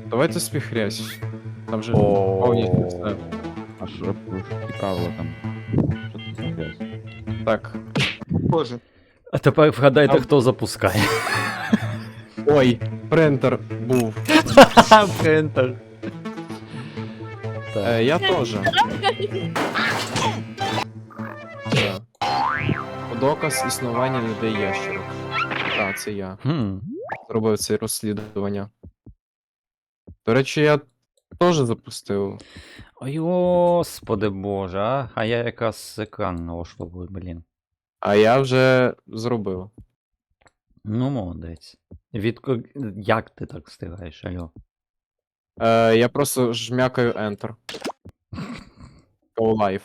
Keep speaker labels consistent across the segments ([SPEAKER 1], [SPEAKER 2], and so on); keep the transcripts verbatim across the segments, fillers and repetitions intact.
[SPEAKER 1] Давайте сміхрясь. Там же
[SPEAKER 2] О.
[SPEAKER 1] повністю все.
[SPEAKER 2] А що цікаво там? Що це за грязь?
[SPEAKER 1] Так. Боже.
[SPEAKER 3] А тепер вгадайте,
[SPEAKER 1] Там-
[SPEAKER 3] хто запускає.
[SPEAKER 1] Ой, принтер був.
[SPEAKER 3] Принтер. Так.
[SPEAKER 1] Е, я теж. Так. Доказ існування людей ящерок. Так, це я.
[SPEAKER 3] Хм.
[SPEAKER 1] Зробив це розслідування. До речі, я теж запустив.
[SPEAKER 3] Ой, господи боже, а? А я якраз екран налаштовую, блін.
[SPEAKER 1] А я вже зробив.
[SPEAKER 3] Ну, молодець. Від... Як ти так встигаєш, алло?
[SPEAKER 1] Е, я просто жмякаю Enter. Go live.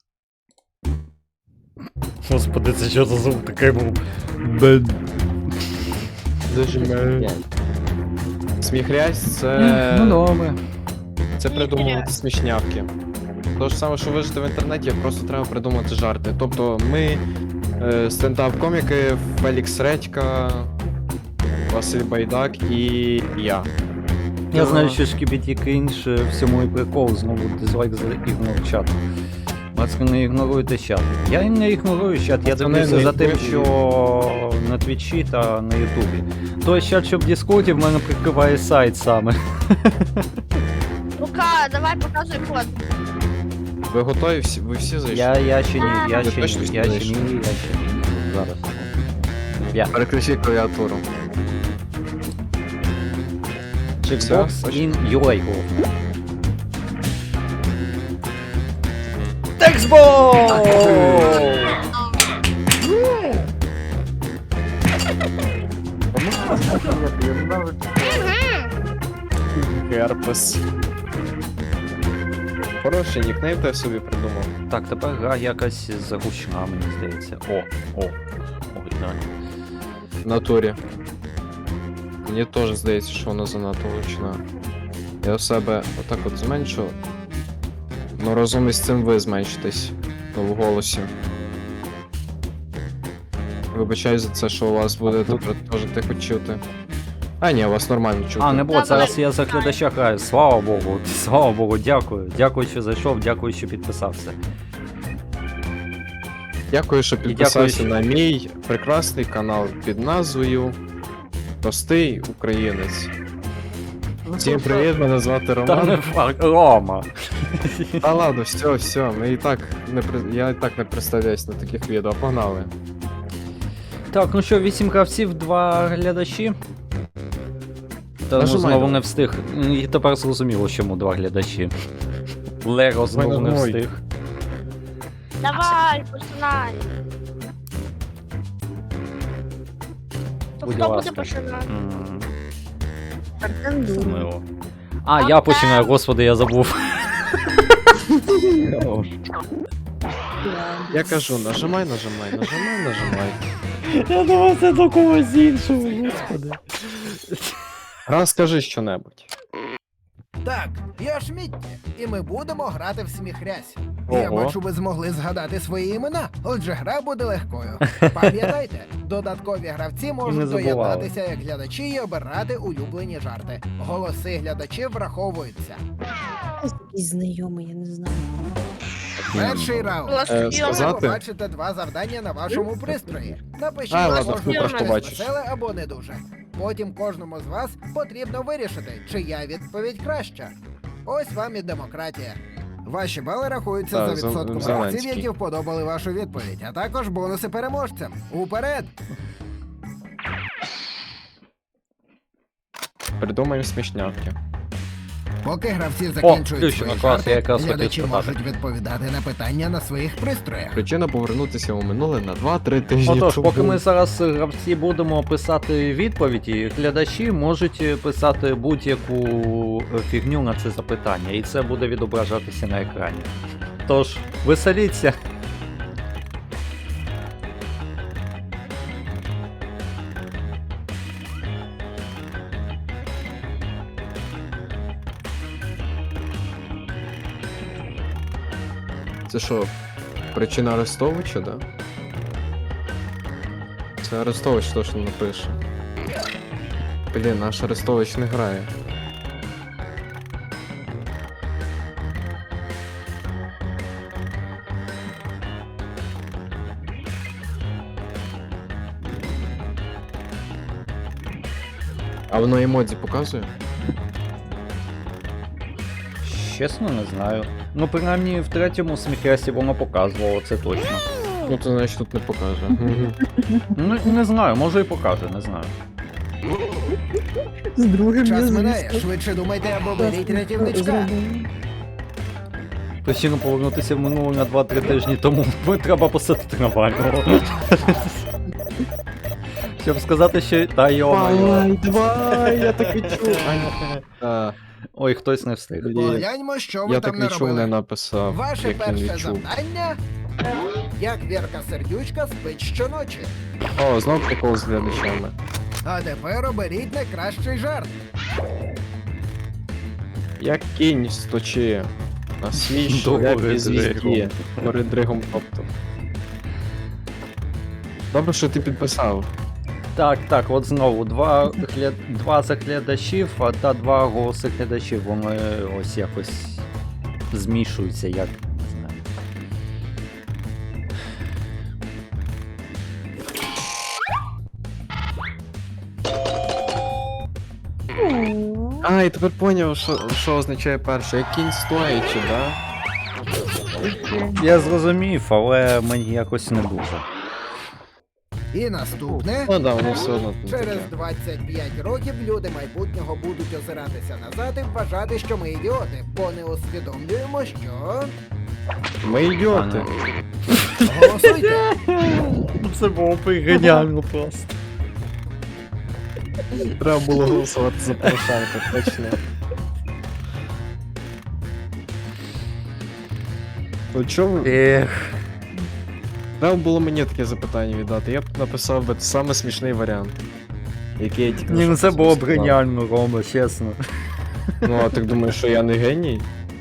[SPEAKER 3] Господи, це що за звук такий був? Бен.
[SPEAKER 1] Зажимаю. Сміхрясь це.
[SPEAKER 3] Ну, добре.
[SPEAKER 1] Це придумувати смішнявки. То ж саме, що вижити в інтернеті, просто треба придумати жарти. Тобто ми е, стендап-коміки, Фелікс Редька, Василь Байдак і я.
[SPEAKER 3] Я знаю, що шкібіті крінж, е, всьому і прикол, знову дизлайк за ігнор чат. Пацки, не ігноруйте чат. Я не ігнорую чат, я
[SPEAKER 1] Пацани,
[SPEAKER 3] дивлюся
[SPEAKER 1] не
[SPEAKER 3] за тим,
[SPEAKER 1] ігноруй.
[SPEAKER 3] що на твічі та на ютубі. Той чат, що в Діскорді, в мене прикриває сайт саме.
[SPEAKER 4] Лука, давай показуй код.
[SPEAKER 1] Ви готові? Всі, ви всі зайшли?
[SPEAKER 3] Я, я ще ні, я
[SPEAKER 1] Ви
[SPEAKER 3] ще
[SPEAKER 1] точно
[SPEAKER 3] ні,
[SPEAKER 1] всі
[SPEAKER 3] я ще
[SPEAKER 1] зайшли?
[SPEAKER 3] ні, я ще ні. Зараз. Я.
[SPEAKER 1] Переключи клавіатуру.
[SPEAKER 3] Checkbox
[SPEAKER 1] Все?
[SPEAKER 3] in ю ей, головне. Текстбокс!
[SPEAKER 1] Герпес. Хороший нікнейм ти собі придумав.
[SPEAKER 3] Так, тепер гра якась загущена, мені здається. О, о, оригінально.
[SPEAKER 1] В натурі. Мені теж здається, що вона занадто гучна. Я у себе отак от зменшу. Ну разом із цим ви зменшитесь. Ну, в голосі. Вибачаю за це, що у вас буде тепер теж тихо чути. А ні, у вас нормально чути.
[SPEAKER 3] А, не бот, зараз я за глядача граю. Слава Богу, слава Богу, дякую. Дякую, що зайшов, дякую, що підписався.
[SPEAKER 1] Дякую, що підписався
[SPEAKER 3] дякую,
[SPEAKER 1] на мій прекрасний канал під назвою Простий Українець. Всім привіт, мене звати
[SPEAKER 3] Та не
[SPEAKER 1] Роман.
[SPEAKER 3] факт, Рома.
[SPEAKER 1] Та ладно, все, все, ми і так не при- я і так не представляюсь на таких відео, погнали.
[SPEAKER 3] Так, ну що, вісім гравців, два глядачі. Та ну,
[SPEAKER 1] Нажимай
[SPEAKER 3] знову
[SPEAKER 1] давай.
[SPEAKER 3] не встиг. І тепер зрозуміло, чому два глядачі. Лего знову не
[SPEAKER 1] нажимай.
[SPEAKER 3] встиг.
[SPEAKER 4] Давай, починай. То
[SPEAKER 3] Будь
[SPEAKER 4] хто
[SPEAKER 3] ласка.
[SPEAKER 4] буде починати?
[SPEAKER 3] М,
[SPEAKER 4] Артем
[SPEAKER 3] Мило. А, я починаю, господи, я забув.
[SPEAKER 1] Я кажу, нажимай, нажимай, нажимай, нажимай.
[SPEAKER 3] Я думав, це до когось іншого, господи.
[SPEAKER 1] Раз скажи щонебудь.
[SPEAKER 5] Так, я Шмітті, і ми будемо грати в сміхрясь.
[SPEAKER 1] Ого.
[SPEAKER 5] Я бачу, ви змогли згадати свої імена, отже гра буде легкою. Пам'ятайте, додаткові гравці
[SPEAKER 3] не
[SPEAKER 5] можуть
[SPEAKER 3] забували.
[SPEAKER 5] доєднатися як глядачі і обирати улюблені жарти. Голоси глядачів враховуються.
[SPEAKER 6] Якийсь знайомий, я не знаю.
[SPEAKER 5] Перший раунд.
[SPEAKER 1] Е,
[SPEAKER 5] Ви
[SPEAKER 1] сказати?
[SPEAKER 5] побачите два завдання на вашому пристрої. Напишіть
[SPEAKER 1] А,
[SPEAKER 5] на
[SPEAKER 1] ладно,
[SPEAKER 5] кожному
[SPEAKER 1] купиш,
[SPEAKER 5] щось
[SPEAKER 1] побачиш.
[SPEAKER 5] веселе або не дуже. Потім кожному з вас потрібно вирішити, чия відповідь краща. Ось вам і демократія. Ваші бали рахуються
[SPEAKER 1] Так,
[SPEAKER 5] за
[SPEAKER 1] Зел-
[SPEAKER 5] відсотком гравців,
[SPEAKER 1] Зеленський.
[SPEAKER 5] які вподобали вашу відповідь, а також бонуси переможцям. Уперед!
[SPEAKER 1] Придумаємо смішнявки.
[SPEAKER 5] Поки гравці закінчують
[SPEAKER 3] включено,
[SPEAKER 5] свої
[SPEAKER 3] клас, я
[SPEAKER 5] жарти,
[SPEAKER 3] якраз хотів
[SPEAKER 5] глядачі
[SPEAKER 3] спитати.
[SPEAKER 5] можуть відповідати на питання на своїх пристроях.
[SPEAKER 1] Причина повернутися у минуле на два-три тижні.
[SPEAKER 3] Отож,
[SPEAKER 1] тому.
[SPEAKER 3] поки ми зараз е, гравці будемо писати відповіді, глядачі можуть е, писати будь-яку е, фігню на це запитання, і це буде відображатися на екрані. Тож, веселіться.
[SPEAKER 1] Це що, причина Арестовича, да? Це Арестович точно напише. Блін, наш Арестович не грає. воно емодзі показує?
[SPEAKER 3] Чесно, не знаю. Ну, принаймні, в третьому сміхрясі воно показувало, це точно.
[SPEAKER 1] Ну то значить тут не покаже.
[SPEAKER 3] Ну, не знаю, може і покаже, не знаю.
[SPEAKER 6] З другим
[SPEAKER 5] Час
[SPEAKER 6] я,
[SPEAKER 5] минає,
[SPEAKER 6] звісно,
[SPEAKER 5] швидше думайте або беріть
[SPEAKER 6] класно
[SPEAKER 5] рятівничка.
[SPEAKER 6] зробила.
[SPEAKER 3] Причина повернутися в минуле на два-три тижні тому треба посадити Навального. Щоб сказати, що та йо-моє.
[SPEAKER 1] давай, я так і чув. А,
[SPEAKER 3] Ой, хтось не встиг.
[SPEAKER 1] блін,
[SPEAKER 5] Погляньмо, що ви
[SPEAKER 1] я
[SPEAKER 5] там
[SPEAKER 1] так не чув, не
[SPEAKER 5] наробили.
[SPEAKER 1] написав.
[SPEAKER 5] Ваше
[SPEAKER 1] як він
[SPEAKER 5] перше
[SPEAKER 1] відчув.
[SPEAKER 5] завдання. Як Вірка Сердючка спить щоночі.
[SPEAKER 1] О, знов прикол з глядачами.
[SPEAKER 5] А тепер оберіть найкращий жарт.
[SPEAKER 1] Як кінь сточи на свій
[SPEAKER 3] Добре,
[SPEAKER 1] шляпі звізді
[SPEAKER 3] Дригом.
[SPEAKER 1] перед дригом тобто. Добре, що ти підписав.
[SPEAKER 3] Так, так, от знову два, гля... два заглядачів, а та два голоси глядачів, вони ось якось змішуються, як не знаю.
[SPEAKER 6] О,
[SPEAKER 1] А, і тепер поняв, що, що означає перше. Як кінь стоячи, да?
[SPEAKER 3] Я зрозумів, але мені якось не дуже.
[SPEAKER 5] І наступне.
[SPEAKER 1] Ну да, воно все одно там
[SPEAKER 5] Через
[SPEAKER 1] таке.
[SPEAKER 5] двадцять п'ять років люди майбутнього будуть озиратися назад і вважати, що ми ідіоти, бо не усвідомлюємо, що.
[SPEAKER 1] Ми ідіоти.
[SPEAKER 5] Голосуйте!
[SPEAKER 3] Це було геніально просто.
[SPEAKER 1] Треба було голосувати за Порошенка, точно. Ну чому?
[SPEAKER 3] Ех.
[SPEAKER 1] Треба було мені таке запитання віддати. Я б написав би саме смішний варіант. Який я тільки
[SPEAKER 3] Ні,
[SPEAKER 1] що
[SPEAKER 3] ну це було б
[SPEAKER 1] сказав.
[SPEAKER 3] геніально, Рома, чесно.
[SPEAKER 1] Ну, а ти думаєш, що я не геній?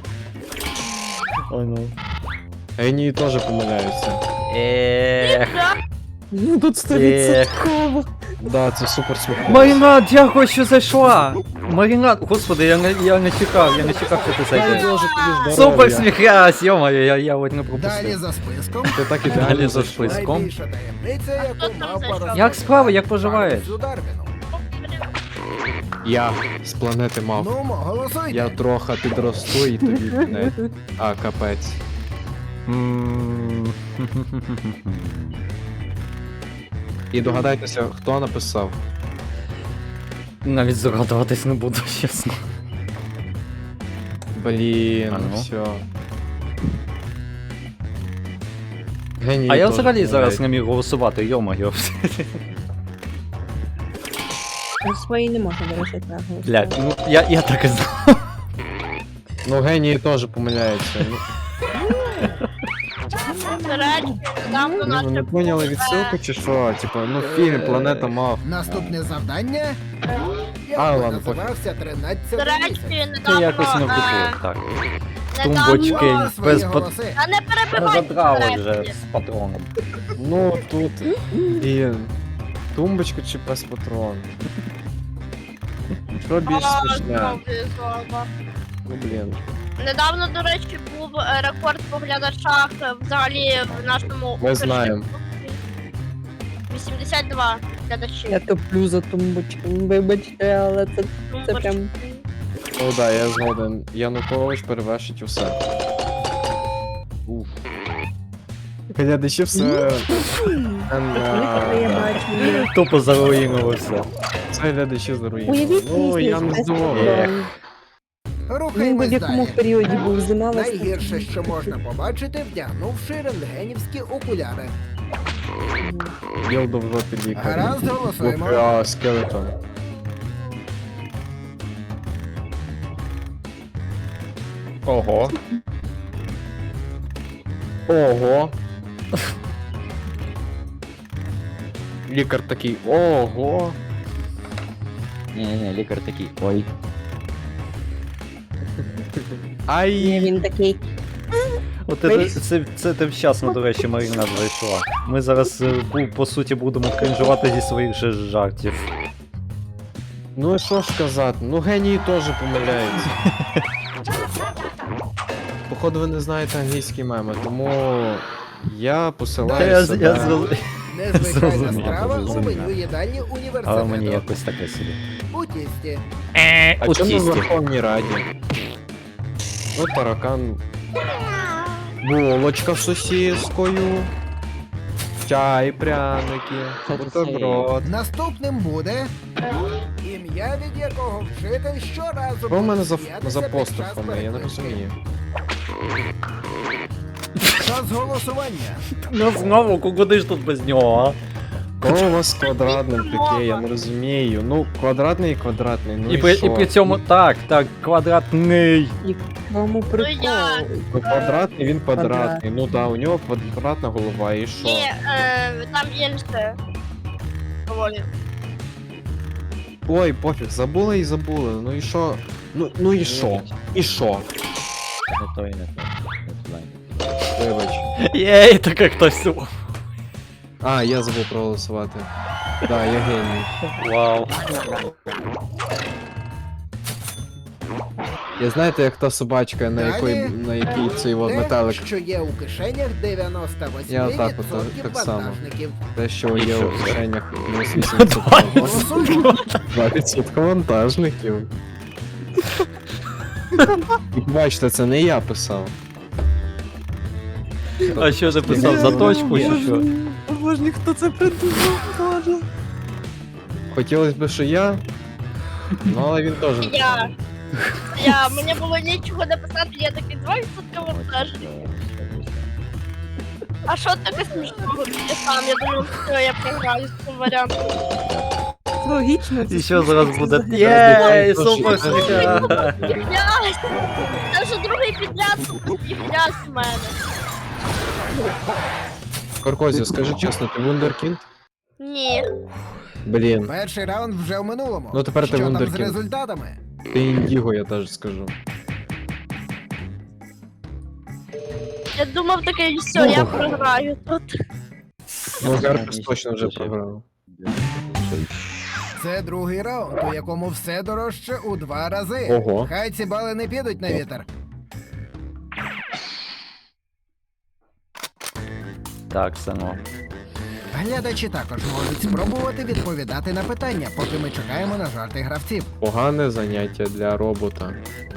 [SPEAKER 3] Ой, ну.
[SPEAKER 1] Генії теж помиляються.
[SPEAKER 3] Ех.
[SPEAKER 6] ну тут сто
[SPEAKER 3] Ех.
[SPEAKER 6] відсотків.
[SPEAKER 1] Да, це супер смішно.
[SPEAKER 3] Марінад, дякую, що зайшла! Марінад, господи, я не, я не чекав, я не чекав, що ти
[SPEAKER 1] Дай
[SPEAKER 3] зайдеш.
[SPEAKER 1] Боже, тобі здоров'я.
[SPEAKER 3] Супер сміхрясь, йо-моє, я, я от не
[SPEAKER 5] Далі
[SPEAKER 3] пропустив.
[SPEAKER 5] за списком.
[SPEAKER 1] Ти так
[SPEAKER 3] Далі
[SPEAKER 1] ідеально
[SPEAKER 3] за
[SPEAKER 1] зайшла.
[SPEAKER 3] списком.
[SPEAKER 5] Найбільша таємниця,
[SPEAKER 4] хто
[SPEAKER 5] яку
[SPEAKER 4] там
[SPEAKER 5] мав
[SPEAKER 4] зайшов?
[SPEAKER 5] порозповідати
[SPEAKER 3] Як справи, як поживаєш?
[SPEAKER 5] Чарльзу Дарвіну.
[SPEAKER 1] Я з планети мав.
[SPEAKER 5] Ну, мо, голосуйте.
[SPEAKER 1] Я трохи підросту і тобі не. А, капець.
[SPEAKER 3] М.
[SPEAKER 1] І догадайтеся, хто написав.
[SPEAKER 3] Навіть здогадуватись не буду, чесно.
[SPEAKER 1] Блін,
[SPEAKER 3] А ну.
[SPEAKER 1] все. Геній
[SPEAKER 3] А я
[SPEAKER 1] теж
[SPEAKER 3] взагалі зараз
[SPEAKER 1] помиляється.
[SPEAKER 3] не міг голосувати, йо-моє.
[SPEAKER 6] Ну, свої не можна, до речі, так.
[SPEAKER 3] Блядь, ну я, я так і знав.
[SPEAKER 1] Ну, генії теж помиляються. Ну,
[SPEAKER 4] До речі, там до
[SPEAKER 1] ну, ви не
[SPEAKER 4] наших
[SPEAKER 1] поняли відсилку чи що? Типу, ну фільм Планета мав.
[SPEAKER 5] Наступне завдання. Я
[SPEAKER 1] А,
[SPEAKER 5] би
[SPEAKER 1] ладно,
[SPEAKER 5] називався
[SPEAKER 4] До
[SPEAKER 5] тринадцятий
[SPEAKER 4] речі,
[SPEAKER 5] місяць.
[SPEAKER 3] Це
[SPEAKER 4] недавно...
[SPEAKER 3] якось не
[SPEAKER 4] е,
[SPEAKER 3] вдухло, так.
[SPEAKER 4] недавно-
[SPEAKER 3] Тумбочки.
[SPEAKER 5] Мали свої
[SPEAKER 3] без пат-
[SPEAKER 5] голоси.
[SPEAKER 4] А не
[SPEAKER 3] Ми
[SPEAKER 4] перебивайте,
[SPEAKER 3] задрали
[SPEAKER 4] до
[SPEAKER 3] вже
[SPEAKER 4] речі.
[SPEAKER 3] з патроном.
[SPEAKER 1] Ну, тут. Блін. Тумбочка чи пес патрон? Що більш
[SPEAKER 4] А,
[SPEAKER 1] смішне?
[SPEAKER 4] знову знову.
[SPEAKER 1] Ну, блін.
[SPEAKER 4] Недавно, до речі, був е, рекорд по глядачах е, взагалі в нашому...
[SPEAKER 1] Ми знаємо.
[SPEAKER 4] вісімдесят два глядачі.
[SPEAKER 6] Я топлю за тумбочками, вибачте, але це, це прям.
[SPEAKER 1] Ну да, я згоден. Янукович перевершить усе. Уф. Глядачі все. Ем,
[SPEAKER 6] Я
[SPEAKER 1] а,
[SPEAKER 6] бачу.
[SPEAKER 3] Тупо заруїнилося.
[SPEAKER 1] Це глядачі заруїнили.
[SPEAKER 6] Уявіть
[SPEAKER 1] Ну, я не
[SPEAKER 6] пісню.
[SPEAKER 1] здивований.
[SPEAKER 3] Ех.
[SPEAKER 6] Він би в
[SPEAKER 5] Рухаємось
[SPEAKER 6] якому
[SPEAKER 5] далі.
[SPEAKER 6] періоді був зима весна.
[SPEAKER 5] Найгірше, що можна побачити, вдягнувши рентгенівські окуляри.
[SPEAKER 1] Ділдо в жопі лікарі.
[SPEAKER 5] Гаразд, голосуємо.
[SPEAKER 1] А, скелетон.
[SPEAKER 3] Ого.
[SPEAKER 1] Ого. Лікар такий. Ого.
[SPEAKER 2] Ні-ні, лікар такий. Ой.
[SPEAKER 6] Ні,
[SPEAKER 1] Ай.
[SPEAKER 6] він такий.
[SPEAKER 3] От це, це, це ти вчасно, до речі, Маріна зайшла. Ми зараз, е, бу- по суті, будемо кринжувати зі своїх же жартів.
[SPEAKER 1] Ну і що ж казати? Ну генії теж помиляються. Походу ви не знаєте англійські меми, тому я
[SPEAKER 3] Та
[SPEAKER 1] посилаю
[SPEAKER 3] я,
[SPEAKER 1] себе.
[SPEAKER 3] я зроз-
[SPEAKER 5] Незвичайна
[SPEAKER 3] Зрозумів,
[SPEAKER 5] страва у
[SPEAKER 3] зрозумів.
[SPEAKER 5] меню їдальні
[SPEAKER 3] Але мені
[SPEAKER 5] університету.
[SPEAKER 3] якось таке собі.
[SPEAKER 5] У у тісті.
[SPEAKER 3] Е,
[SPEAKER 1] А
[SPEAKER 3] у
[SPEAKER 1] чому в
[SPEAKER 3] тісті.
[SPEAKER 1] Верховній Раді? Ну, таракан. Булочка з сосіскою. Чай, пряники, бутерброд.
[SPEAKER 5] Наступним буде ім'я, від якого вчитель щоразу
[SPEAKER 1] Що в мене за,
[SPEAKER 5] сміятися
[SPEAKER 1] за
[SPEAKER 5] під час
[SPEAKER 1] поступами? Я не
[SPEAKER 5] переписки.
[SPEAKER 1] розумію.
[SPEAKER 5] Час голосування.
[SPEAKER 3] Ну знову, куди ж тут без нього,
[SPEAKER 1] Кого у вас квадратним таке, я не розумію. Ну, квадратний і квадратний, ну
[SPEAKER 3] а?
[SPEAKER 1] і,
[SPEAKER 3] І при,
[SPEAKER 1] що?
[SPEAKER 3] і при цьому так, так, квадратний.
[SPEAKER 6] Кому прикол?
[SPEAKER 4] я.
[SPEAKER 1] Ну, квадратний, він квадратний. Ну да, у нього квадратна голова, і що?
[SPEAKER 4] Ні, е, там інше. Доволі.
[SPEAKER 1] Ой, пофіг, забули і забули. Ну і що? Ну, ну і що? І що?
[SPEAKER 2] Не той, не той. Не туди.
[SPEAKER 1] Вибач.
[SPEAKER 3] Єй, так як хтось.
[SPEAKER 1] А, я забув проголосувати. Да, я геній.
[SPEAKER 3] Вау.
[SPEAKER 1] Я знаєте, як та собачка, на
[SPEAKER 5] Далі.
[SPEAKER 1] якої на якій цей от
[SPEAKER 5] Те,
[SPEAKER 1] метелик,
[SPEAKER 5] що є у кишенях дев'яносто вісім
[SPEAKER 1] Я
[SPEAKER 5] відсотків
[SPEAKER 1] отак от, так само.
[SPEAKER 5] вантажників.
[SPEAKER 1] те, що є
[SPEAKER 3] що
[SPEAKER 1] у
[SPEAKER 3] це?
[SPEAKER 1] кишенях мінус вісімдесят
[SPEAKER 5] Голосуємо.
[SPEAKER 1] два відсотки вантажників. Бачите, це не я писав.
[SPEAKER 3] А що ти писав за точку чи що?
[SPEAKER 1] Боже, ніхто це придумав, боже. Хотілося б, що я, ну але він теж.
[SPEAKER 4] Я. Я, мені було нічого написати, я такий два відсотки вантажників. А що таке смішного? Я сам, я думаю, все, я програю з цим варіантом.
[SPEAKER 6] Логічно. це
[SPEAKER 3] І що зараз
[SPEAKER 6] смішно,
[SPEAKER 3] буде?
[SPEAKER 6] це
[SPEAKER 3] Єй,
[SPEAKER 1] Зараз
[SPEAKER 3] супер
[SPEAKER 1] буде.
[SPEAKER 3] сміття!
[SPEAKER 4] Блядь! Це вже другий підряд, сука, блядь, в мене.
[SPEAKER 1] Каркозі, скажи чесно, ти вундеркінд?
[SPEAKER 4] Ні.
[SPEAKER 1] Блін,
[SPEAKER 5] Перший раунд вже в минулому.
[SPEAKER 1] Ну, тепер ти
[SPEAKER 5] Що там з
[SPEAKER 1] вундеркінд.
[SPEAKER 5] результатами?
[SPEAKER 1] ти індіго, я теж скажу.
[SPEAKER 4] Я думав таке, все, я програю тут.
[SPEAKER 1] Ну, Герпес точно вже програв.
[SPEAKER 5] Це другий раунд, у якому все дорожче у два рази.
[SPEAKER 1] Ого.
[SPEAKER 5] Хай ці бали не підуть на вітер.
[SPEAKER 3] Так, сину.
[SPEAKER 5] Глядачі також можуть спробувати відповідати на питання, поки ми чекаємо на жарти гравців.
[SPEAKER 1] Погане заняття для робота.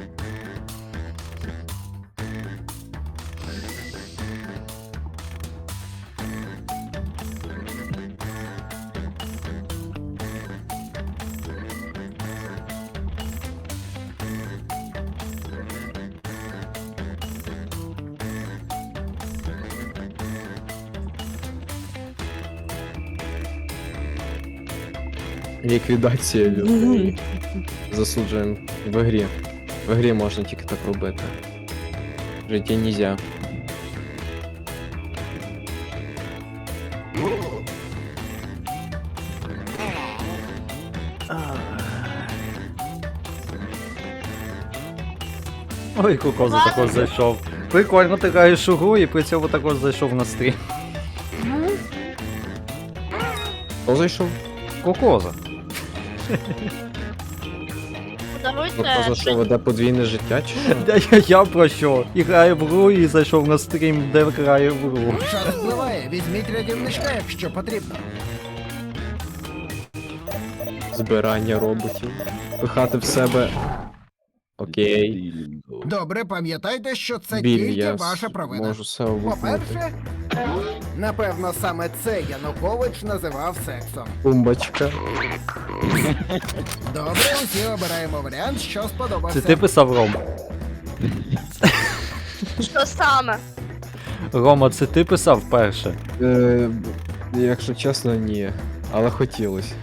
[SPEAKER 1] Ліквідація людей. Засуджуємо в грі. В грі можна тільки так робити. В житті нельзя.
[SPEAKER 3] Ой, Кукоза також зайшов. Прикольно, ти граєш у гру і при цьому також зайшов на стрім.
[SPEAKER 1] Хто зайшов?
[SPEAKER 3] Кукоза.
[SPEAKER 4] Подаруйте.
[SPEAKER 1] Хто за що веде подвійне життя чи що?
[SPEAKER 3] Я, я, я про що? І граю в гру і зайшов на стрім, де граю в гру.
[SPEAKER 5] Час впливає, візьміть рятівничка, якщо потрібно.
[SPEAKER 1] Збирання роботів. Пихати в себе. Окей.
[SPEAKER 5] Добре, пам'ятайте, що це
[SPEAKER 1] Біль,
[SPEAKER 5] тільки
[SPEAKER 1] я
[SPEAKER 5] ваша провина.
[SPEAKER 1] можу все вихнути.
[SPEAKER 5] По-перше, напевно, саме це Янукович називав сексом.
[SPEAKER 1] Тумбочка.
[SPEAKER 5] Добре, усі обираємо варіант, що сподобався.
[SPEAKER 3] Це ти писав Рома?
[SPEAKER 4] Що саме?
[SPEAKER 3] Рома, це ти писав перше?
[SPEAKER 1] Е, якщо чесно, ні. Але хотілося.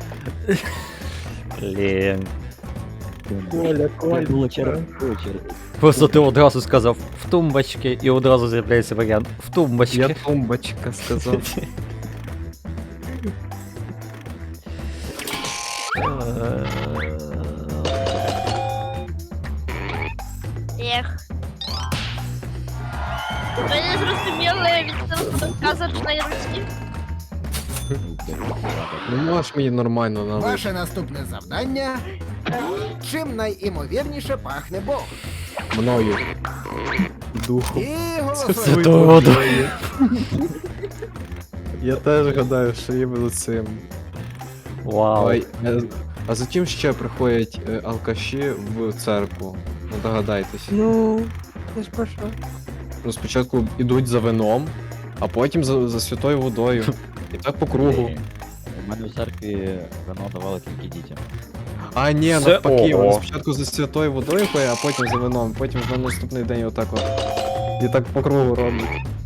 [SPEAKER 3] Блін.
[SPEAKER 2] Коля, Коля,
[SPEAKER 3] Просто ти одразу сказав в тумбочки і одразу з'являється варіант в тумбочки.
[SPEAKER 1] Я тумбочка сказав.
[SPEAKER 4] Ех. Ви не зрозуміли від казочної Русі?
[SPEAKER 1] Ну можеш мені нормально налити.
[SPEAKER 5] Ваше наступне завдання. Чим найімовірніше пахне Бог?
[SPEAKER 1] Мною. Духом.
[SPEAKER 5] І голосуємо.
[SPEAKER 3] Святого.
[SPEAKER 1] Я теж гадаю, що іменно цим.
[SPEAKER 3] Вау.
[SPEAKER 1] Ой, е, А затім ще приходять е, алкаші в церкву. Ну догадайтесь.
[SPEAKER 6] Ну, це ж про що?
[SPEAKER 1] Ну, спочатку йдуть за вином, а потім за, за святою водою. І так по кругу.
[SPEAKER 2] У мене в церкві вино давали тільки дітям.
[SPEAKER 1] А ні,
[SPEAKER 3] Це
[SPEAKER 1] навпаки,
[SPEAKER 3] ого.
[SPEAKER 1] вони спочатку за святою водою пиє, а потім за вином, потім на наступний день отак от. І так по кругу роблять.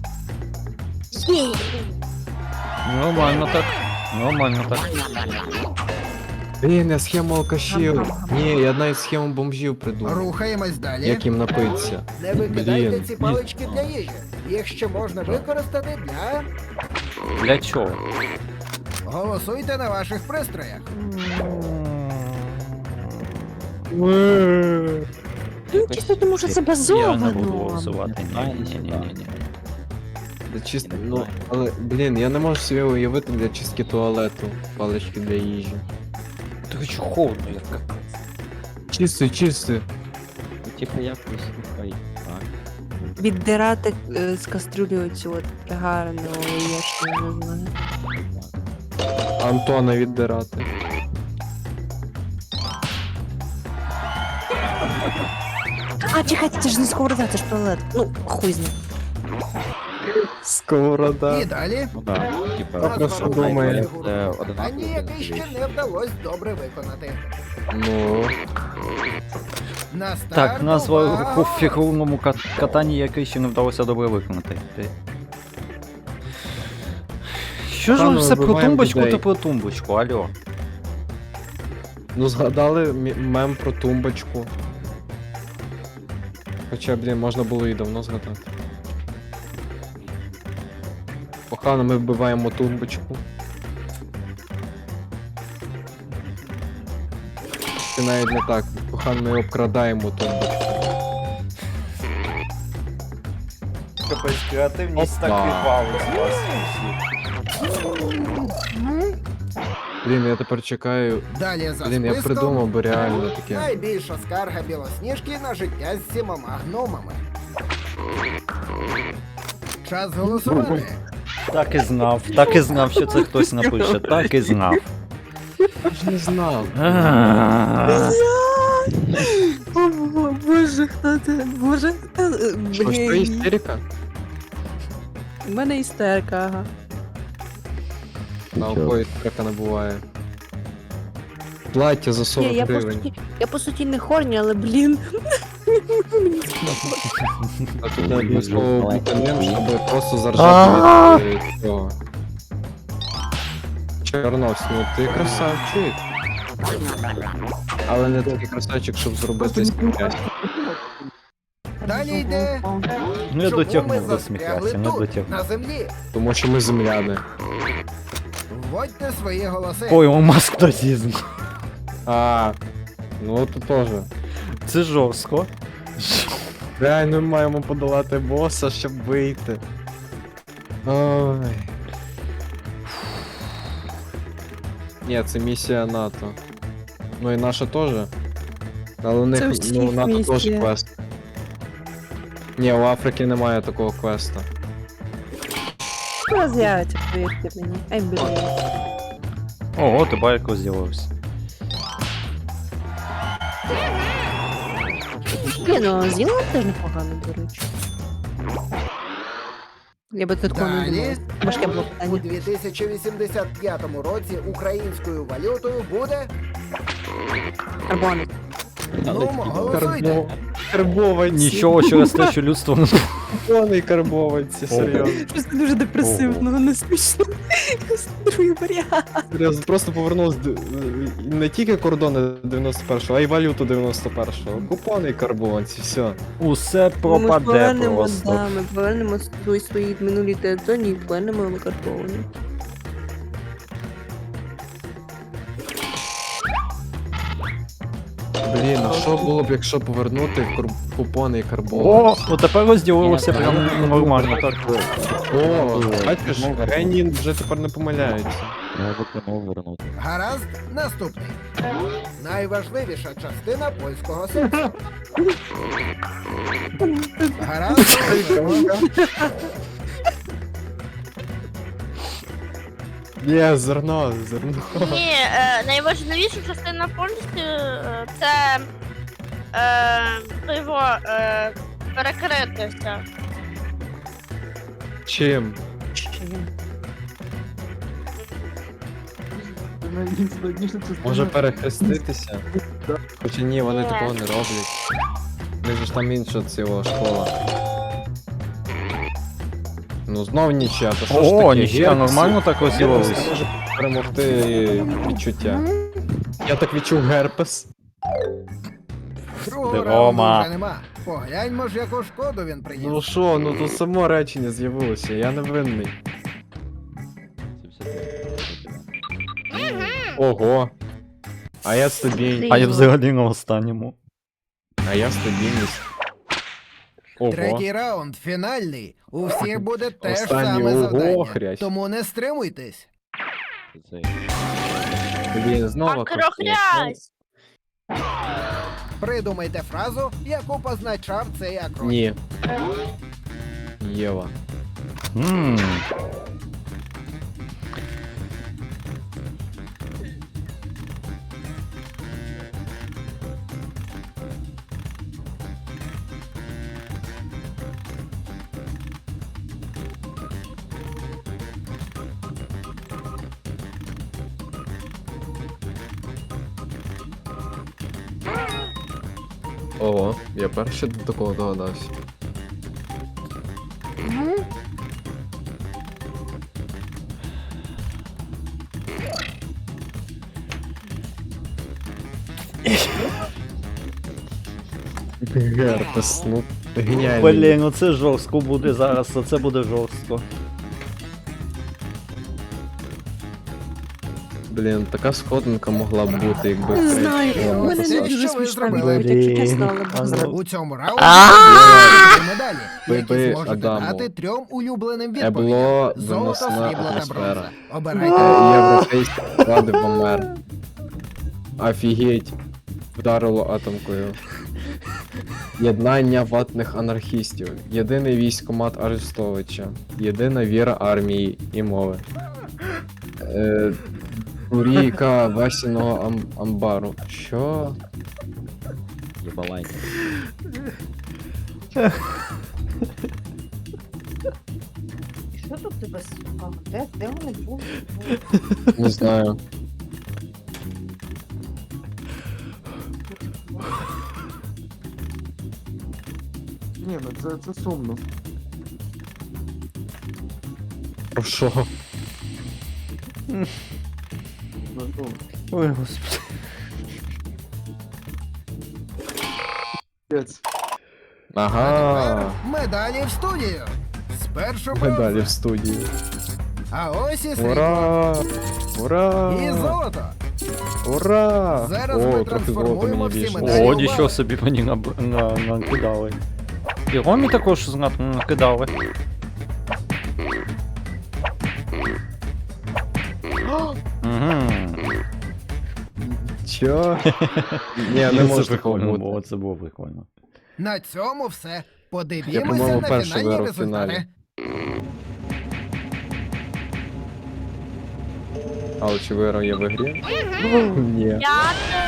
[SPEAKER 3] Нормально так. Нормально так.
[SPEAKER 1] Блін, я схему алкашів. Ні, я навіть схему бомжів придумав.
[SPEAKER 5] Рухаємось далі.
[SPEAKER 1] Як їм напитися.
[SPEAKER 5] Не викидайте
[SPEAKER 1] Блін.
[SPEAKER 5] ці палички для їжі. Їх ще можна використати для...
[SPEAKER 3] Для чого?
[SPEAKER 5] Голосуйте на ваших пристроях.
[SPEAKER 6] Ну, чисто тому що це
[SPEAKER 3] Я не
[SPEAKER 6] базовано.
[SPEAKER 3] буду голосувати. Ні, ні, ні, ні, ні.
[SPEAKER 1] Для чист... Ну, але, блін, я не можу собі уявити для чистки туалету палички для їжі.
[SPEAKER 3] Так що холодно, як капець.
[SPEAKER 1] Чисти, чисти.
[SPEAKER 2] Ну, типу, якось, хай. Так.
[SPEAKER 6] Віддирати е, з кастрюлі оцю от гарну яєчню, не знаю.
[SPEAKER 1] Антона віддирати.
[SPEAKER 6] А, чекайте, це ж не сковорода, це ж туалет. Ну, хуй з ним.
[SPEAKER 1] Сковорода.
[SPEAKER 5] І далі.
[SPEAKER 2] Ну да, типа,
[SPEAKER 5] Раз
[SPEAKER 1] про що
[SPEAKER 5] варухаємо
[SPEAKER 1] думає?
[SPEAKER 5] фігуру
[SPEAKER 2] Це
[SPEAKER 5] на
[SPEAKER 2] одинаково
[SPEAKER 5] питанні, яке
[SPEAKER 2] одинакові
[SPEAKER 5] ще
[SPEAKER 2] речі.
[SPEAKER 5] не вдалося добре виконати.
[SPEAKER 1] Ну.
[SPEAKER 5] На старт,
[SPEAKER 3] Так, назва
[SPEAKER 5] увага!
[SPEAKER 3] по фігурному кат- катанні, яке ще не вдалося добре виконати. Ти- Що ж ви
[SPEAKER 1] Пане,
[SPEAKER 3] все про
[SPEAKER 1] вибиваємо
[SPEAKER 3] тумбочку
[SPEAKER 1] людей.
[SPEAKER 3] та про тумбочку, алло?
[SPEAKER 1] Ну згадали мі- мем про тумбочку. Хоча, блін, можна було і давно згадати. Погано ми вбиваємо тумбочку. Чи навіть не так. Погано ми обкрадаємо тумбочку.
[SPEAKER 3] Капець, креативність
[SPEAKER 1] так відвалить
[SPEAKER 3] з вас.
[SPEAKER 1] Блін, я тепер чекаю.
[SPEAKER 5] Далі за
[SPEAKER 1] Блін, я
[SPEAKER 5] списком.
[SPEAKER 1] придумав би реально таке.
[SPEAKER 5] Найбільша скарга білосніжки на життя з сімома гномами. Час голосувати.
[SPEAKER 3] Так і знав, так і знав, що це хтось напише, так і знав.
[SPEAKER 1] Я ж не знав.
[SPEAKER 6] О, бо- боже, хто це? Боже, хто це?
[SPEAKER 1] Що, що
[SPEAKER 6] Блін.
[SPEAKER 1] істерика?
[SPEAKER 6] У мене істерика, ага.
[SPEAKER 1] На окої істерика не буває. Плаття за
[SPEAKER 6] Ні,
[SPEAKER 1] сорок
[SPEAKER 6] я по
[SPEAKER 1] гривень.
[SPEAKER 6] суті, я по суті не хорні, але блін.
[SPEAKER 1] А тут
[SPEAKER 2] Ой,
[SPEAKER 1] обов'язково
[SPEAKER 2] дуже
[SPEAKER 1] бути ним,
[SPEAKER 2] маленький.
[SPEAKER 1] щоб просто заржати від е, цього. Чорновсь, ну ти красавчик. Але не такий красавчик, щоб зробити сміття.
[SPEAKER 5] Далі йде.
[SPEAKER 3] Ну я
[SPEAKER 5] Чому ми
[SPEAKER 3] дотягнув до
[SPEAKER 5] застрягли
[SPEAKER 3] сміхася, не
[SPEAKER 5] тут,
[SPEAKER 3] дотягнув.
[SPEAKER 5] на землі?
[SPEAKER 1] Тому що ми земляни.
[SPEAKER 5] Вводьте свої голоси.
[SPEAKER 3] Ой, у маскотазізм.
[SPEAKER 1] А, ну то теж.
[SPEAKER 3] Це жорстко.
[SPEAKER 1] Реально ми маємо подолати боса, щоб вийти. Ой. Ні, це місія НАТО. Ну і наша теж. Але у них,
[SPEAKER 6] Це у
[SPEAKER 1] ну,
[SPEAKER 6] всіх
[SPEAKER 1] НАТО теж
[SPEAKER 6] місія.
[SPEAKER 1] квест. Ні, у Африки немає такого квеста.
[SPEAKER 6] Скоро з'явиться, повірте мені. Ай, блін.
[SPEAKER 3] Ого, ти байко з'явився.
[SPEAKER 6] Ні, ну з'їла теж непогано, до речі. Я би тут такого не
[SPEAKER 5] Далі.
[SPEAKER 6] думала. Важке було
[SPEAKER 5] У
[SPEAKER 6] питання.
[SPEAKER 5] дві тисячі вісімдесят п'ятому році українською валютою буде.
[SPEAKER 6] Карбони.
[SPEAKER 5] Ну, голосуйте.
[SPEAKER 1] Карбованці.
[SPEAKER 3] Нічого через те, що людство не
[SPEAKER 1] Повний карбованці, серйозно.
[SPEAKER 6] Щось дуже депресивно, не смішно. Другий варіант.
[SPEAKER 1] Серйозно, просто повернувся д- не тільки кордони дев'яносто першого, а й валюту дев'яносто першого. Купони і карбованці, все.
[SPEAKER 3] усе
[SPEAKER 6] Ми
[SPEAKER 3] пропаде
[SPEAKER 6] повернемо,
[SPEAKER 3] просто.
[SPEAKER 6] да, ми повернемо свої, свої минулі території і повернемо викарбовані.
[SPEAKER 1] Блін, а що було б, якщо повернути кур- купони і
[SPEAKER 3] О,
[SPEAKER 1] карбованці?
[SPEAKER 3] от тепер розділилося
[SPEAKER 2] Ні,
[SPEAKER 3] прям
[SPEAKER 2] ні,
[SPEAKER 3] нормально.
[SPEAKER 2] так.
[SPEAKER 1] О, бачиш, генії вже тепер не помиляються.
[SPEAKER 2] Я виконав вернути.
[SPEAKER 5] Гаразд, наступний. Найважливіша частина польського сексу. Гаразд, голосуємо.
[SPEAKER 1] Ні, зерно, зерно.
[SPEAKER 4] Ні, е, найважливіша частина повністю е, це е, його е, перекритися.
[SPEAKER 1] Чим? Може перехреститися? Хоча ні, вони
[SPEAKER 4] Ні.
[SPEAKER 1] такого не роблять. У них же ж там інша ціла школа. Ну знов нічия, то що ж
[SPEAKER 3] О,
[SPEAKER 1] таке?
[SPEAKER 3] ніхія,
[SPEAKER 1] Герпес-
[SPEAKER 3] нормально так
[SPEAKER 1] Герпес
[SPEAKER 3] розірвались.
[SPEAKER 1] може перемогти відчуття. Я так відчув герпес.
[SPEAKER 5] Другого
[SPEAKER 3] Ти,
[SPEAKER 5] раунду
[SPEAKER 3] Рома.
[SPEAKER 5] вже нема. Погляньмо ж, яку шкоду він приніс.
[SPEAKER 1] Ну що, ну тут само речення з'явилося, я не винний. Ого. А я стабільність.
[SPEAKER 3] А я взагалі на останньому.
[SPEAKER 1] А я стабільність. Ого.
[SPEAKER 5] Третій раунд, фінальний. У всіх буде те ж
[SPEAKER 1] Останній,
[SPEAKER 5] саме
[SPEAKER 1] ого,
[SPEAKER 5] завдання.
[SPEAKER 1] хрясь.
[SPEAKER 5] Тому не стримуйтесь.
[SPEAKER 1] Блін, знову
[SPEAKER 4] Акрохрязь!
[SPEAKER 5] Придумайте фразу, яку позначав цей акрон.
[SPEAKER 1] Ні. Єва.
[SPEAKER 3] Ммм.
[SPEAKER 1] Ого, я перший до такого догадався. Герпес, ну геніально.
[SPEAKER 3] Блін, ну це жорстко буде зараз, це буде жорстко.
[SPEAKER 1] Блін, така сходинка могла б бути, якби
[SPEAKER 6] Не
[SPEAKER 1] Крейг
[SPEAKER 6] знаю,
[SPEAKER 1] була.
[SPEAKER 6] у мене
[SPEAKER 5] Це
[SPEAKER 6] не
[SPEAKER 5] що
[SPEAKER 6] дуже
[SPEAKER 5] ви
[SPEAKER 6] смішно
[SPEAKER 5] зробили?
[SPEAKER 6] було, якщо чесно,
[SPEAKER 3] Блін,
[SPEAKER 6] але
[SPEAKER 3] а
[SPEAKER 6] Бог
[SPEAKER 3] ну.
[SPEAKER 5] У цьому раунді
[SPEAKER 3] А!
[SPEAKER 5] буде медалі, які
[SPEAKER 1] Биби
[SPEAKER 5] зможете
[SPEAKER 1] Адаму.
[SPEAKER 5] дати трьом улюбленим відповідям.
[SPEAKER 1] Ебло,
[SPEAKER 5] Золото,
[SPEAKER 1] виносна
[SPEAKER 5] срібло та
[SPEAKER 1] атмосфера.
[SPEAKER 5] бронза. Обирайте.
[SPEAKER 1] Е, Європейські влади помер. Офігеть. Вдарило атомкою. Єднання ватних анархістів. Єдиний військомат Арестовича. Єдина віра армії і мови. Е, Курійка Васіного ам амбару. Що?
[SPEAKER 2] Єбалай.
[SPEAKER 6] Що тут тебе сука? Де, де вони були?
[SPEAKER 1] Не знаю.
[SPEAKER 7] Ні, ну це, це сумно.
[SPEAKER 1] Про що?
[SPEAKER 7] Ну, ну,
[SPEAKER 3] Ой, господи.
[SPEAKER 7] пець.
[SPEAKER 1] Ага.
[SPEAKER 5] Медалі в студію. Спершу
[SPEAKER 1] Медалі
[SPEAKER 5] бронза,
[SPEAKER 1] в студії.
[SPEAKER 5] а ось і срібло.
[SPEAKER 1] Ура! Ура!
[SPEAKER 5] І золото.
[SPEAKER 1] Ура!
[SPEAKER 5] Зараз ми
[SPEAKER 1] О, трохи золота
[SPEAKER 5] трансформуємо
[SPEAKER 1] мені
[SPEAKER 5] всі
[SPEAKER 1] більше.
[SPEAKER 5] медалі.
[SPEAKER 3] О,
[SPEAKER 5] Далі
[SPEAKER 3] нічого
[SPEAKER 5] увага.
[SPEAKER 3] собі мені наб- на- накидали. І Ромі також зна- накидали. Угу.
[SPEAKER 1] Чо? Ні, не
[SPEAKER 3] Це
[SPEAKER 1] може такого
[SPEAKER 3] прикольно
[SPEAKER 1] бути.
[SPEAKER 3] було, це було прикольно.
[SPEAKER 5] На цьому все.
[SPEAKER 1] Я,
[SPEAKER 5] Подивімося
[SPEAKER 1] по-моєму,
[SPEAKER 5] на
[SPEAKER 1] перший
[SPEAKER 5] фінальні
[SPEAKER 1] виграв в фіналі.
[SPEAKER 5] результати.
[SPEAKER 1] Але чи виграв я в ігрі? Ні.
[SPEAKER 4] П'яте.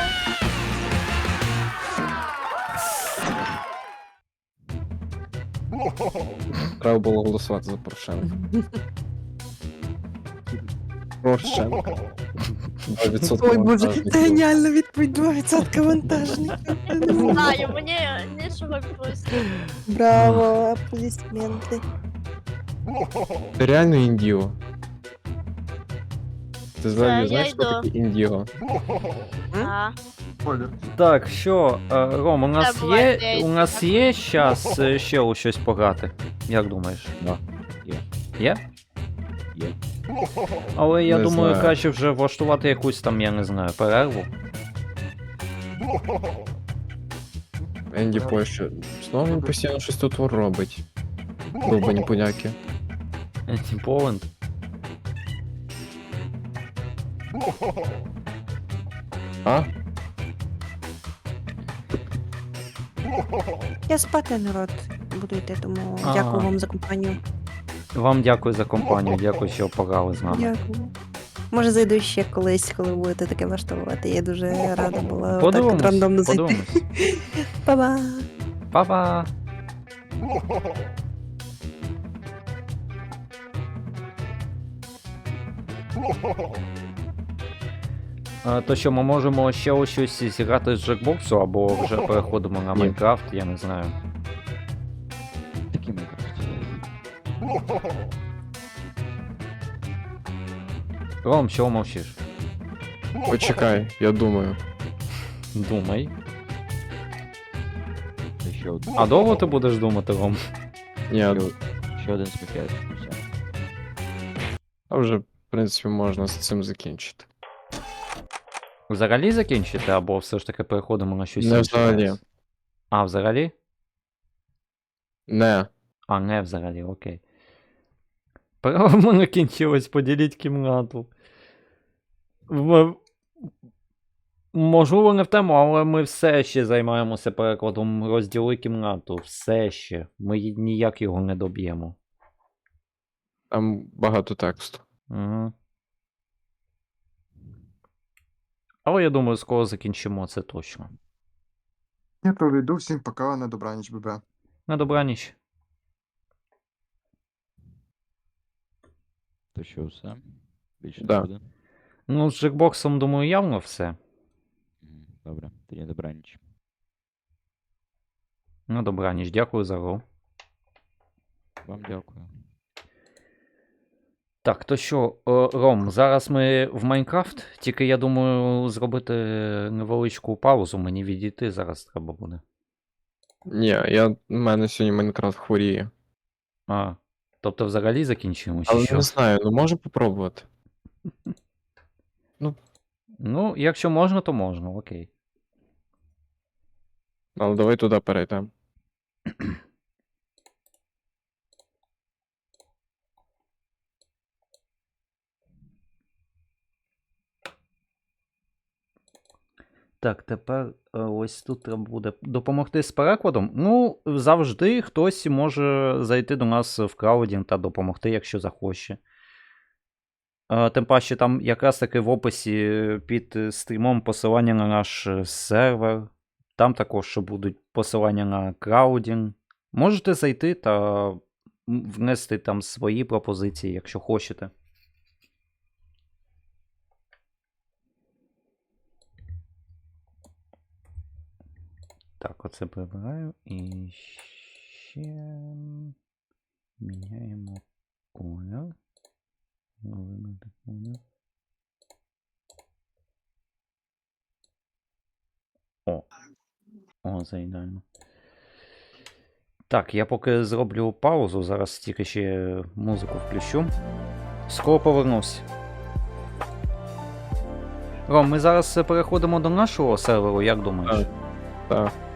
[SPEAKER 1] Треба було голосувати за Порошенка. Порошенка. два відсотки
[SPEAKER 6] Ой боже,
[SPEAKER 1] вантажників.
[SPEAKER 6] це геніальна відповідь, два відсотки вантажників.
[SPEAKER 4] Не знаю, мені нічого відповісти.
[SPEAKER 6] Браво, аплодисменти.
[SPEAKER 1] Ти реально індіго? Ти взагалі
[SPEAKER 4] я
[SPEAKER 1] знаєш, що
[SPEAKER 4] йду.
[SPEAKER 1] таке індіго?
[SPEAKER 4] А.
[SPEAKER 7] Колір.
[SPEAKER 3] Так, що, е, Ром, у нас
[SPEAKER 4] Це була
[SPEAKER 3] є,
[SPEAKER 4] ідея.
[SPEAKER 3] у нас є час е, ще у щось пограти? Як думаєш?
[SPEAKER 2] Да. Є.
[SPEAKER 3] Є?
[SPEAKER 2] Є.
[SPEAKER 3] Але я
[SPEAKER 1] Не
[SPEAKER 3] думаю,
[SPEAKER 1] знаю.
[SPEAKER 3] краще вже влаштувати якусь там, я не знаю, перерву.
[SPEAKER 1] Енді Польща. Знову він постійно щось тут робить. Довбані поляки.
[SPEAKER 3] Антиполенд.
[SPEAKER 1] А?
[SPEAKER 6] Я спати, народ, буду йти, тому
[SPEAKER 3] А.
[SPEAKER 6] дякую вам за компанію.
[SPEAKER 3] Вам дякую за компанію, дякую, що пограли з нами.
[SPEAKER 6] Дякую. Може зайду ще колись, коли будете таке влаштовувати. Я дуже рада була так
[SPEAKER 3] Подивимось,
[SPEAKER 6] от рандомно зайти.
[SPEAKER 3] подивимось.
[SPEAKER 6] Па-ба!
[SPEAKER 3] Па-па! А, то що, ми можемо ще ось щось зіграти з джекбоксу, або вже переходимо на
[SPEAKER 1] Ні.
[SPEAKER 3] Майнкрафт, я не знаю.
[SPEAKER 2] Такий Майнкрафт.
[SPEAKER 3] Ром, чого мовчиш?
[SPEAKER 1] Почекай, я думаю.
[SPEAKER 3] Думай.
[SPEAKER 2] Це ще один.
[SPEAKER 3] А довго ти будеш думати, Ром?
[SPEAKER 1] Ні,
[SPEAKER 2] Ще, ще один сміття. Все.
[SPEAKER 1] а вже, в принципі, можна з цим закінчити.
[SPEAKER 3] Взагалі закінчити, або все ж таки переходимо на щось
[SPEAKER 1] Не
[SPEAKER 3] інше
[SPEAKER 1] взагалі.
[SPEAKER 3] зараз? А, взагалі?
[SPEAKER 1] Не.
[SPEAKER 3] А, не взагалі, окей. Право в мене кінчилось, поділіть кімнату. В... Можливо, не в тему, але ми все ще займаємося перекладом розділи кімнату. Все ще. Ми й- ніяк його не доб'ємо.
[SPEAKER 1] Там багато тексту.
[SPEAKER 3] Угу. Але я думаю, скоро закінчимо це точно.
[SPEAKER 7] Я проведу всім пока, на добраніч, ББ.
[SPEAKER 3] На добраніч.
[SPEAKER 2] То що, все? Більше
[SPEAKER 1] Да.
[SPEAKER 2] не буде?
[SPEAKER 3] Ну, з джекбоксом, думаю, явно все.
[SPEAKER 2] Мгм, добре, тоді добраніч.
[SPEAKER 3] На добраніч. Дякую за гру.
[SPEAKER 2] Вам дякую.
[SPEAKER 3] Так, то що, е, Ром, зараз ми в Майнкрафт, тільки я думаю зробити невеличку паузу, мені відійти зараз треба буде.
[SPEAKER 1] Ні, я, в мене сьогодні Майнкрафт хворіє.
[SPEAKER 3] А, тобто взагалі закінчимо чи
[SPEAKER 1] Але
[SPEAKER 3] що?
[SPEAKER 1] не знаю, ну можу попробувати.
[SPEAKER 3] Ну, якщо можна, то можна, окей.
[SPEAKER 1] Але давай туди перейдемо.
[SPEAKER 3] Так, тепер е, ось тут треба буде допомогти з перекладом. Ну, завжди хтось може зайти до нас в краудінг та допомогти, якщо захоче. Е, Тим паче, там якраз таки в описі під стрімом посилання на наш е, сервер. Там також будуть посилання на краудінг. Можете зайти та м, внести там свої пропозиції, якщо хочете. Так, оце прибираю і ще міняємо колір. Вибрати колір. О. О, це ідеально. Так, я поки зроблю паузу, зараз тільки ще музику включу. Скоро повернусь. Ром, ми зараз переходимо до нашого серверу, як думаєш?
[SPEAKER 1] Так. Так.